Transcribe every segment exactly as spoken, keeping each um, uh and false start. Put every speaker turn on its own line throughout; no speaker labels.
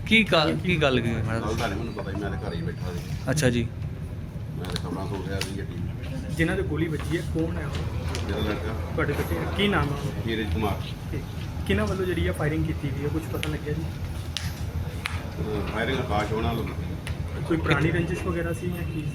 ਕੀ ਗੱਲ ਕੀ ਗੱਲ ਕੀ ਮੈਡਮ?
ਗੱਲ ਤਾਂ ਨਹੀਂ ਮੈਨੂੰ ਪਤਾ ਜੀ, ਮੈਂ ਤਾਂ ਘਰ ਹੀ ਬੈਠਾ ਸੀ।
ਅੱਛਾ ਜੀ।
ਮੈਂ ਤਾਂ ਖਬਰਾਂ ਸੁਣ ਰਿਹਾ ਸੀ ਟੀ ਵੀ।
ਜਿਨ੍ਹਾਂ ਦੇ ਗੋਲੀ ਵੱਜੀ ਹੈ ਕੌਣ ਹੈ ਉਹ?
ਮੇਰਾ ਲੜਕਾ
ਤੁਹਾਡੇ ਬੱਚੇ ਕੀ ਨਾਮ ਹੈ ਉਹਦਾ?
ਹੀਰਜ ਕੁਮਾਰ।
ਤੇ ਕਿਹਨਾਂ ਵੱਲੋਂ ਜਿਹੜੀ ਆ ਫਾਇਰਿੰਗ ਕੀਤੀ ਗਈ ਹੈ, ਕੁਝ ਪਤਾ ਲੱਗਿਆ ਜੀ?
ਫਾਇਰਿੰਗ ਆਕਾਸ਼ ਹੋਣਾ ਲੋਕ
ਕੋਈ ਪੁਰਾਣੀ ਰੰਜਿਸ਼ ਵਗੈਰਾ ਸੀ ਜਾਂ ਕੀ?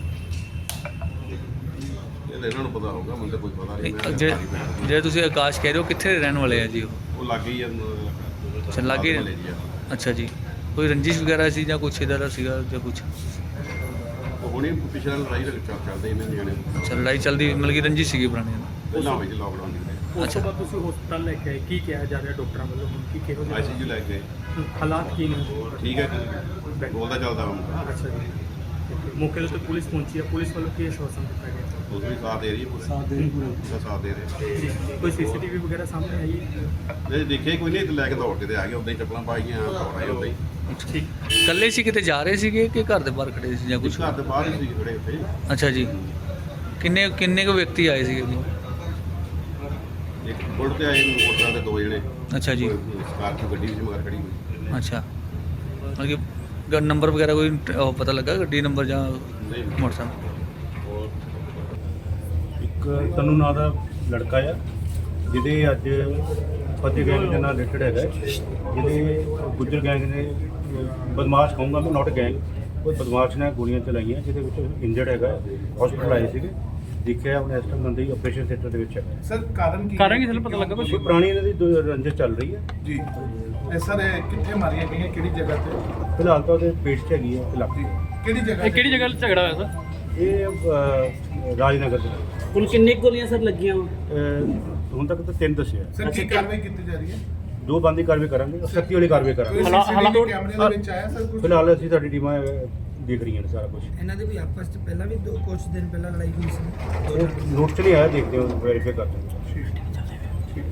ਇਹ ਤਾਂ ਇਹਨਾਂ ਨੂੰ ਪਤਾ ਹੋਊਗਾ, ਮੈਨੂੰ ਤਾਂ ਕੋਈ ਪਤਾ ਨਹੀਂ। ਮੈਂ ਤਾਂ
ਜੇ
ਘਰ ਹੀ ਬੈਠਾ ਸੀ।
ਜੇ ਤੁਸੀਂ ਆਕਾਸ਼ ਕਹਿ ਰਹੇ ਹੋ, ਕਿੱਥੇ ਦੇ ਰਹਿਣ ਵਾਲੇ ਆ ਜੀ ਉਹ?
ਉਹ ਲੱਗ ਗਈ ਆ
ਅੱਛਾ, ਲਾਗੇ ਹੀ
ਮਹੱਲੇ 'ਚ ਆ।
ਅੱਛਾ ਜੀ। ਕੋਈ ਰੰਜਿਸ਼ ਵਗੈਰਾ ਸੀ ਜਾਂ ਕੁਛ ਇੱਦਾਂ ਦਾ ਸੀਗਾ ਜਾਂ ਕੁਛ?
ਉਹ ਹੁਣੇ ਪਿਛਲਾ ਲੜਾਈ ਚੱਲ ਚੱਲਦੇ ਇਹਨਾਂ ਨਿਆਣੇ
ਅੱਛਾ, ਲੜਾਈ ਚੱਲਦੀ ਮਤਲਬ ਕਿ ਰੰਜਿਸ਼ ਸੀਗੀ ਪੁਰਾਣੀ?
ਪਹਿਲਾਂ ਹੋਈ ਸੀ ਲਾਕਡਾਊਨ ਦੀ।
ਉਸ ਤੋਂ ਬਾਅਦ ਤੁਸੀਂ ਹਸਪਤਾਲ ਲੈ ਕੇ ਆਏ, ਕੀ ਕਿਹਾ ਜਾ ਰਿਹਾ ਡਾਕਟਰਾਂ ਵੱਲੋਂ ਹੁਣ ਕੀ ਕਿਹੋ
ਆਈ
ਜਿਹੇ
ਸੀ ਯੂ ਲੈ ਕੇ
ਹਾਲਾਤ ਕੀ ਨੇ?
ਠੀਕ ਹੈ, ਬੋਲਦਾ ਚੱਲਦਾ ਹੁਣ।
ਅੱਛਾ ਜੀ। ਮੌਕੇ ਦੇ ਉੱਤੇ ਪੁਲਿਸ ਪਹੁੰਚੀ ਹੈ, ਪੁਲਿਸ ਵੱਲੋਂ ਕੀ ਆਸ਼ਵਾਸਨ ਦਿੱਤਾ ਗਿਆ?
ਉਸ ਵੀ ਸਾਥ ਦੇ ਰਹੀ ਹੈ, ਪੂਰਾ ਸਾਥ ਦੇ ਰਹੀ ਪੂਰਾ ਸਾਥ ਦੇ ਰਹੇ।
ਜੀ, ਕੋਈ ਸੀਸੀਟੀਵੀ ਵਗੈਰਾ ਸਾਹਮਣੇ ਆਈ ਹੈ?
ਇਹ ਦੇਖੇ ਕੋਈ ਨਹੀਂ, ਲੈ ਕੇ ਦੌੜ ਕੇ ਤੇ ਆ ਗਏ, ਉਦਾਂ ਹੀ ਚੱਪਲਾਂ ਪਾਈਆਂ ਦੌੜ ਆਏ ਉਦਾਂ ਹੀ।
ਠੀਕ।
ਇਕੱਲੇ ਸੀ, ਕਿਤੇ ਜਾ ਰਹੇ ਸੀਗੇ ਕਿ ਘਰ ਦੇ ਬਾਹਰ ਖੜੇ ਸੀ ਜਾਂ
ਕੁਛ
ਕੁਛ?
ਘਰ ਦੇ ਬਾਹਰ ਹੀ ਸੀ ਖੜੇ ਉੱਥੇ।
ਅੱਛਾ ਜੀ। ਕਿੰਨੇ ਕਿੰਨੇ ਕੁ ਵਿਅਕਤੀ ਆਏ ਸੀਗੇ ਜੀ?
ਇੱਕ ਬੁਲਟ ਤੇ ਆਏ ਮੋਟਰਾਂ ਦੇ ਦੋ ਜਣੇ।
ਅੱਛਾ ਜੀ।
ਸਕਾਰਪੀਓ ਗੱਡੀ ਵਿੱਚ ਮਗਰ ਖੜੀ ਹੋਈ।
ਅੱਛਾ, ਮਤਲਬ ਕਿ ਗ- ਨੰਬਰ ਵਗੈਰਾ ਕੋਈ ਉਹ ਪਤਾ ਲੱਗਾ ਗੱਡੀ ਨੰਬਰ ਜਾਂ
ਨਹੀਂ
ਮੋਟਰਸਾਈਕਲ?
ਇੱਕ ਤਨੂੰ ਨਾਂ ਦਾ ਲੜਕਾ ਆ, ਜਿਹਦੇ ਅੱਜ ਫਤਿਹ ਗੈਂਗ ਦੇ ਨਾਲ ਰਿਲੇਟਡ ਹੈਗਾ, ਜਿਹਦੇ ਗੁੱਜਰ ਗੈਂਗ ਨੇ ਬਦਮਾਸ਼ ਕਹੂੰਗਾ ਮੈਂ, ਨਾਟ ਗੈਂਗ, ਉਹ ਬਦਮਾਸ਼ ਨੇ ਗੋਲੀਆਂ ਚਲਾਈਆਂ, ਜਿਹਦੇ ਵਿੱਚ ਇੰਜਰਡ ਹੈਗਾ, ਹਸਪੀਟਲ ਆਏ ਸੀਗੇ। ਦੇਖਿਆ ਹੁਣ ਇਸ ਟਾਈਮ ਬੰਦੇ ਹੀ ਆਪਰੇਸ਼ਨ ਥੀਏਟਰ ਦੇ ਵਿੱਚ ਹੈਗਾ।
ਸਰ ਕਾਰਨ ਕੀ
ਕਾਰਨ ਕੀ ਤੁਹਾਨੂੰ ਪਤਾ ਲੱਗਾ ਕੁਛ?
ਕੋਈ ਪੁਰਾਣੀ ਇਹਨਾਂ ਦੀ ਦੋ ਰੰਜਿਸ਼ ਚੱਲ ਰਹੀ ਹੈ।
ਜੀ ਇਹ ਸਰ ਇਹ ਕਿੱਥੇ ਮਾਰੀਆਂ ਗਈਆਂ, ਕਿਹੜੀ ਜਗ੍ਹਾ ਤੇ?
ਫਿਲਹਾਲ ਤਾਂ ਉਹਦੇ ਪੇਟ 'ਚ ਹੈਗੀ ਹੈ ਇਲਾਕੇ।
ਕਿਹੜੀ ਜਗ੍ਹਾ
ਇਹ ਕਿਹੜੀ ਜਗ੍ਹਾ ਝਗੜਾ ਹੋਇਆ ਸਰ?
ਇਹ ਅਹ, ਰਾਜਨਗਰ ਦੇ ਨਾਲ।
ਹੁਣ ਕਿੰਨੀ ਕੁ ਗੋਲੀਆਂ ਸਰ ਲੱਗੀਆਂ ਵਾ?
ਅਹ, ਹੁਣ ਤੱਕ ਤਾਂ ਤਿੰਨ ਦੱਸਿਆ।
ਸਰ ਕੀ ਕਾਰਵਾਈ ਕੀਤੀ ਜਾ ਰਹੀ ਹੈ?
ਦੋ ਬੰਦੀ ਕਾਰਵਾਈ ਕਰਾਂਗੇ, ਸਖਤੀ ਵਾਲੀ ਕਾਰਵਾਈ
ਕੋਈ
ਕਰਾਂਗੇ।
ਸੀਸੀਟੀਵੀ ਕੈਮਰੇ ਦੇ ਵਿੱਚ ਆਇਆ ਸਰ ਕੁਝ?
ਫਿਲਹਾਲ ਅਸੀਂ ਸਾਡੀ ਟੀਮਾਂ ਅਹ, ਦੇਖ ਰਹੀਆਂ ਨੇ ਸਾਰਾ ਕੁਝ।
ਇਹਨਾਂ ਦੇ ਵੀ ਆਪਸ ਚ ਪਹਿਲਾਂ ਵੀ ਦੋ ਕੁਝ ਦਿਨ ਪਹਿਲਾਂ ਲੜਾਈ ਹੋਈ ਸੀ।
ਉਹ ਨੋਟ 'ਚ ਨਹੀਂ ਆਇਆ, ਦੇਖਦੇ ਹਾਂ, ਵੈਰੀਫਾਈ ਕਰਦੇ ਹਾਂ।